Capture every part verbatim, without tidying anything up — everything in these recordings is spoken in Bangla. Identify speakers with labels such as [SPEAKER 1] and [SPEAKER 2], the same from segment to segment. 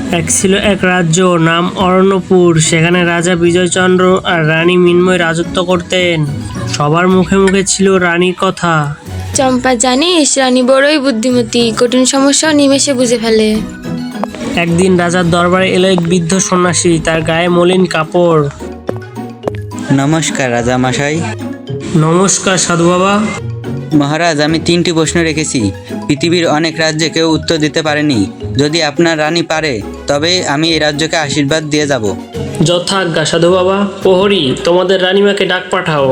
[SPEAKER 1] এক ছিল এক রাজ্য, নাম অরণ্যপুর। সেখানে রাজা বিজয়চন্দ্র আর রানী মৃন্ময় রাজত্ব করতেন। সবার মুখে মুখে ছিল রানীর কথা।
[SPEAKER 2] চম্পা, জানিস রানী বড়ই বুদ্ধিমতী, কঠিন সমস্যাও নিমেষে বুঝে ফেলে।
[SPEAKER 1] একদিন রাজার দরবারে এলো এক বৃদ্ধ সন্ন্যাসী, তার গায়ে মলিন কাপড়।
[SPEAKER 3] নমস্কার রাজামশাই।
[SPEAKER 1] নমস্কার সাধু বাবা।
[SPEAKER 3] মহারাজ, আমি তিনটি প্রশ্ন রেখেছি। পৃথিবীর অনেক রাজ্যে কেউ উত্তর দিতে পারেনি। যদি আপনার রানী পারে তবে আমি এই রাজ্যকে আশীর্বাদ দিয়ে যাব।
[SPEAKER 1] যথাজ্ঞা সাধু বাবা। প্রহরী, তোমাদের রানীমাকে ডাক পাঠাও।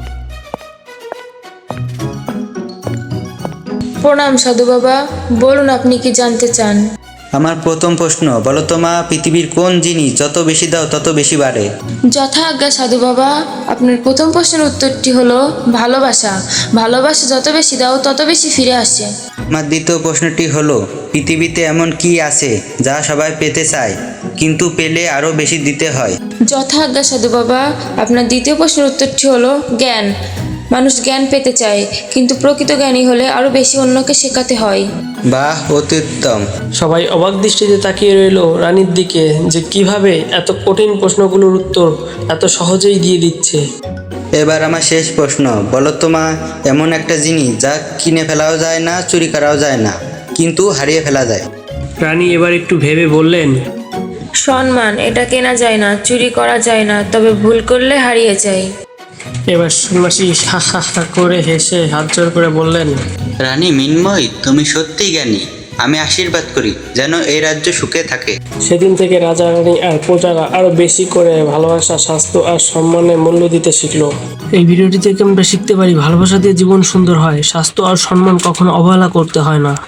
[SPEAKER 2] প্রণাম সাধু বাবা, বলুন আপনি কি জানতে চান?
[SPEAKER 3] আমার প্রথম প্রশ্ন, বলো তো মা, পৃথিবীর কোন জিনিস যত বেশি দাও তত বেশি বাড়ে?
[SPEAKER 2] যথা আজ্ঞা সাধু বাবা, আপনার প্রথম প্রশ্নের উত্তরটি হলো ভালোবাসা। ভালোবাসা যত বেশি দাও তত বেশি ফিরে আসে।
[SPEAKER 3] আমার দ্বিতীয় প্রশ্নটি হলো, পৃথিবীতে এমন কি আছে যা সবাই পেতে চায় কিন্তু পেলে আরও বেশি দিতে হয়?
[SPEAKER 2] যথা আজ্ঞা সাধু বাবা, আপনার দ্বিতীয় প্রশ্নের উত্তরটি হলো জ্ঞান। মানুষ জ্ঞান পেতে চায়, কিন্তু প্রকৃত জ্ঞানী হলে আরও বেশি অন্যকে শেখাতে হয়।
[SPEAKER 3] বাহ, অতি উত্তম।
[SPEAKER 1] সবাই অবাক দৃষ্টিতে তাকিয়ে রইল রানীর দিকে, যে কিভাবে এত কঠিন প্রশ্নগুলোর উত্তর এত সহজেই দিয়ে দিচ্ছে।
[SPEAKER 3] এবার আমার শেষ প্রশ্ন, বলো তো মা, এমন একটা জিনিস যা কিনে ফেলাও যায় না, চুরি করাও যায় না, কিন্তু হারিয়ে ফেলা যায়।
[SPEAKER 1] রানী এবার একটু ভেবে বললেন,
[SPEAKER 2] সম্মান, এটা কেনা যায় না, চুরি করা যায় না, তবে ভুল করলে হারিয়ে যায়।
[SPEAKER 1] এবার সন্ন্যাসী হা হা হা করে হেসে হাত জোর করে বললেন,
[SPEAKER 3] রানী মৃন্ময়, তুমি সত্যিই জ্ঞানী। আমি আশীর্বাদ করি যেন এই রাজ্য সুখে থাকে।
[SPEAKER 1] সেদিন থেকে রাজা রানী আর প্রজারা আরো বেশি করে ভালোবাসা, স্বাস্থ্য আর সম্মানের মূল্য দিতে শিখলো। এই ভিডিওটি থেকে আমরা শিখতে পারি, ভালোবাসা দিয়ে জীবন সুন্দর হয়, স্বাস্থ্য আর সম্মান কখনো অবহেলা করতে হয় না।